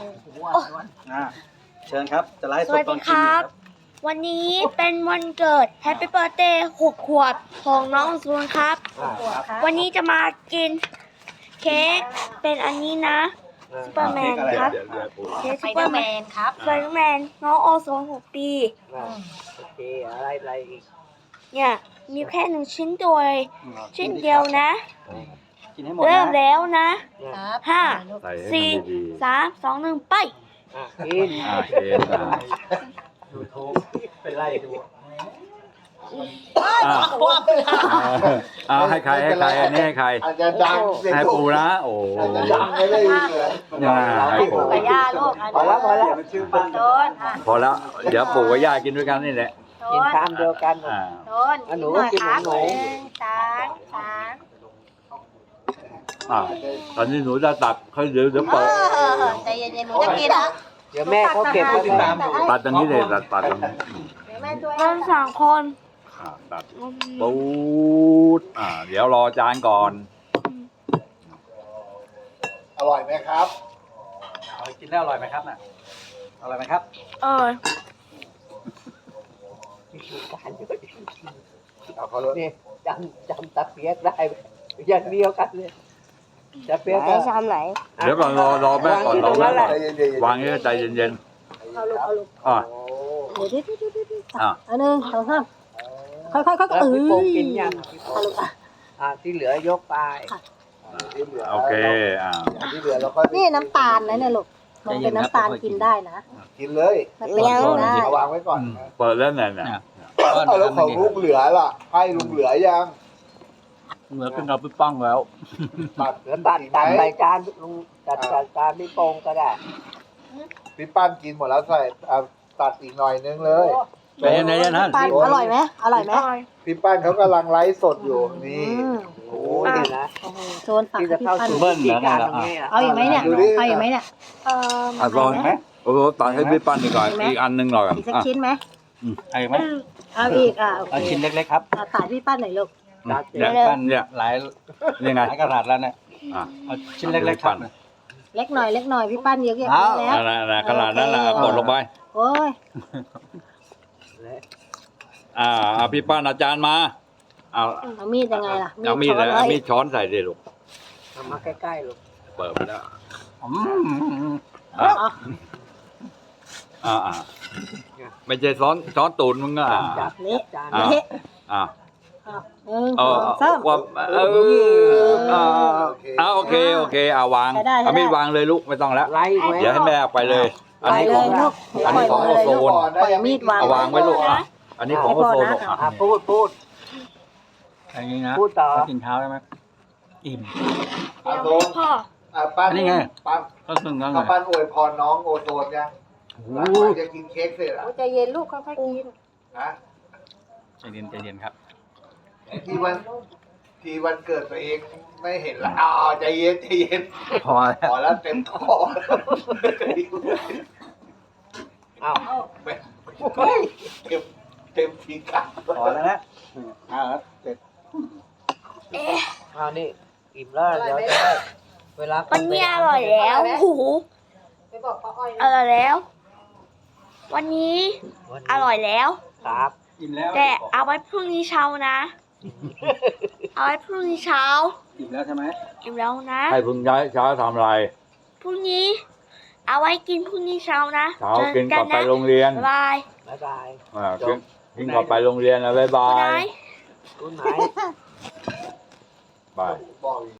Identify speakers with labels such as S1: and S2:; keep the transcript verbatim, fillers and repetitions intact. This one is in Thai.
S1: อ่าเชิญครับจะไลฟ์
S2: ส
S1: สด
S2: วัส
S1: ตอ
S2: ดี
S1: น
S2: ค
S1: กิน
S2: รับ
S1: ครับ
S2: วันนี้เป็นวันเกิด Happy Birthday หกขวบของน้องซูนครับ วันนี้จะมากินเค้กเป็นอันนี้นะซูเปอร์แมนครับเค้ก
S3: ไป
S2: ซู
S3: เด
S2: เปอ
S3: อ
S2: ร์
S3: ร์
S2: แม
S3: แม
S2: น
S3: นครับ
S2: สไปเดอร์แมนน้องโอโซนหกปี
S4: โอเคอะไรอะไรอีก
S2: เนี่ยมีแค่หนึ่งชิ้นตัวเลยชิ้นเดียวนะ
S1: กินให้หมด
S2: เริ่ม
S1: นะ
S2: แล้วนะ
S3: ครับ
S2: ห้า
S5: ใส่ให้
S2: สี่
S5: มันดี
S2: สามสองหนึ่งไป
S4: อ่ะกิน
S5: ๆอ่าเคนอ่า
S1: ยูทูบเป็นไล่ดู
S5: อ่าเอาให้ใครให้ใครอันนี้ให้ใคร
S6: อาจจะดังเสียง
S5: ให้
S6: สู
S5: ปู
S6: ง
S5: นะโอ้
S6: อาจจะดังไม่ได้ยินเลย
S5: อ่าให้
S3: ให้
S5: ปู
S3: ปู่กับย่าลูกอัน
S4: พอแล้วพอแล้ว
S1: มันชื่อบ้าน
S3: โดนอ่ะ
S5: พอแล้วเดี๋ยวปู่กับย่ากินด้วยกันนี่แหละ
S3: โด
S4: กิน
S3: น
S4: ชามเดียวกัน
S5: อ่า
S3: โดน
S4: อ่ะหนู
S3: หน่อย
S4: กิน
S3: ครับ
S4: หนู
S3: หนึ่งสามสาม
S5: อ่าตอนนี้หนูจะตัดเขาเดี๋ยวเดี๋ยว
S3: เอ
S5: เปิด
S3: อใจเย็นๆหนูจะกินนะ
S4: เดี๋ยวแม่เขาเก็บไว้
S1: ติดตามอยู่
S5: ตัดตรงนี้เลยตัดตัดตรงนี้
S3: เดี๋ยวแม่ช่วย
S2: เราสองคน
S5: อ่าตัดปูดอ่าเดี๋ยวรอจานก่อน
S6: อร่อยไหมครับ
S1: เอากินแล้วอร่อยไหมครับน่ะอร่อยไหมครับ
S2: เออ
S4: การเยอะ
S6: เอาเขาเลย
S4: นี่จำจำตะเปียกได้อย่างเดียวกันเลยตะเปียก
S2: ไหน
S4: ก็
S2: ชามไหน
S5: เดี๋ยวก่อนรอรอแม่ก่อนรอแม่ก่อน
S6: ใจเย็นๆ
S5: วางนี้ใจเย็น
S3: เอาลูกเอาลูก
S5: ๆอ่า
S3: เดี๋ยวเดี๋ยวเดี๋ยวเดี๋ยวเดี๋ยว
S5: อ่า
S3: อันหนึ่งสองสามค่อยๆค่อยๆ
S4: แล้ว
S3: เอ้
S4: พี่โป่ง
S3: ย
S4: กินยัง
S3: เอาลูกอ่ะ
S4: อ่าที่เหลือยกไป
S6: ที่เหลือ
S5: โอเคอ่า
S6: ที่เหลือเราค่อยไป
S3: นี่น้ำตาลนะเนี่ยลูกมันเป็นน้ำตาลกินได้นะ
S6: กินเลย
S3: มันเป็นกินได้
S6: เอาวางไว้ก่อน
S5: เปิดแล้วเนี่ยเนี่ย
S6: เอาแล้วของลุงเหลือล่ะ ให้ลุงเหลือยัง
S1: เหมือนเป็นเราไปป้องแล้ว
S6: ตัด
S4: เหลือตัดตัดใส่จานลุงตัดใส่จานพี่โป่งก็ได้
S6: พี่ปั้นกินหมดแล้วใส่เอาตัดอีกหน่อยนึงเลย
S1: ใจเย็นๆนะ
S3: ปานอร่อยไหมอร่อยไหม
S6: พี่ปั้นเขากำลังไลฟ์สดอยู่นี่
S3: อืม
S4: โอ้ยนี่นะ
S3: โอ้โหโซนตัก
S4: ที่
S3: ให้
S4: จะ
S3: พี่
S4: เข้า
S3: ปั้น
S4: สู่
S1: เบิ้ล
S4: วิ
S1: นะ
S4: ธีการ
S1: นะ
S4: ตรงนี้อ่ะ
S3: เอาอยู่ไหมเนี่ยเอาอยู่ไหมเนี่ย
S2: เออ
S5: อ่ะลองไหมโอ้โหตัดให้พี่ปั้นดีกว่า
S3: เห็นไหม
S5: อีกอันหนึงหน่อย
S3: อีกสัก
S5: อ่ะ
S3: ชิ้นไหม
S1: เอาอีกไหม
S3: เอาอีกอ่ะโอ
S1: เอา
S3: เค
S1: ชิ้นเล็กๆครับ
S3: อ่ะถ่ายพี่ปั้นหน่อยลูก
S4: ตัด
S5: เนี่ย
S3: เร็ว
S1: ปั้น
S5: เนี่ย
S1: หลาย
S5: นี่ไง
S1: หลายกระดาษแล้วเนี่ย
S5: อ่ะ
S1: เอาชิ้นเล็กๆครับ
S3: เล็กหน่อยเล็กหน่อยพี่ปั้นเยอะแยะ
S1: เอา
S3: แล้ว
S5: นั่นน่ะขนาดนั้นน่ะกดลงไป
S3: โอ้ย
S5: อ่าเอาพี่ปั้นอาจารย์มาเอา
S3: เอามีดยังไงล่ะ
S5: เอามีดเลย
S3: ช้น
S5: เอามีดช้อนใส่ดิลูก
S4: ทำมาใกล้ๆลูก
S5: เปิดไปแล้ว
S1: อืม
S5: อ่ะ
S3: เอา
S5: อ่าอ่าไม่ใช่ช้อนช้อนตูนมึงอ่ะ
S4: จับ
S3: เละ
S4: จาน
S5: อ่ะ
S3: เละ
S5: อ่า
S3: เอาหนึ่ง
S5: เอ
S3: ส
S5: อ
S3: องสาม
S5: ว่าเอออ่าอ่าโอเคโอเคเอาวาง
S3: ใช้ได้ใช้ได้
S5: เอามีดวางเลยลูกไม่ต้องแล้ว
S4: ไล่ไว้
S5: เดี๋ยวให้แม่เอาไปเลย อัน
S3: ไป
S5: นี้
S3: เล
S5: ของ
S3: ยลูก
S5: อันนี้ของ
S3: ปล่อย
S5: โอ
S3: มือเลย
S5: โซ
S3: ลูก
S5: น
S3: ปล่อยมีดวาง
S5: เอาวางไว้ลูกอ่ะอันนี้ของโอโซนลูก
S3: ให้
S5: อ่ะ
S4: อ่ะพูดพูด
S1: อย่างนี้นะ
S4: พูดต่อ
S1: ไปกินเช้าได้ไหมอิ่ม
S6: อาโซน
S2: พ่อ
S6: อ่ะปั้น
S1: อันนี้ไง
S6: ปั้น
S1: ก็ซึ่งก็ไง
S6: ถ้าปั้นอวยพรน้องโอโซนยังหลังจากจะกินเค้กเสร็จอ่ะ
S3: โอ้ใจเย็นลูกค่อยๆกิน
S6: นะ
S1: ใจเย็นใจเย็นครับ
S6: ที่วันที่วันเกิดตัวเองไม่เห็นละอ๋อใจเย็นใจเย็น
S1: พอแล้ว
S6: พอแล้วเต็มคอ
S4: อ้าว
S6: ไม่เต็มเต็มทีกัน
S1: พอแล้วนะอ่าเสร็จ
S2: เอ๊ะ
S4: อ้าวนี่อิ่มแล้วเดี๋ยวจะได้เวลา
S2: วันนี้อร่อยแล้วโอ้โห
S3: ไปบอกป้าอ้อย
S2: อร่อยแล้ว วันนี้อร่อยแล้ว
S4: ครับ
S1: อิ่มแล้ว
S2: แต่เอาไว้พรุ่งนี้เช้านะ เอาไว้พรุ่งนี้เช้า
S1: อิ่มแล้วใช่ไหม
S2: อิ่มแล้วนะ
S5: ให้พึ่งย้ายเช้าทำอะไร
S2: พรุ่งนี้ เอาไว้กินพรุ่งนี้เช้านะ
S5: เช้ากินก่อนไปโรงเรียน
S2: บ๊ายบาย
S4: บ๊ายบาย
S5: อ่ากินกินก่อนไปโรงเรียนนะบ๊ายบา
S2: คุณ
S5: ย
S2: นาย
S4: คุณไหน
S5: บาย
S6: บอก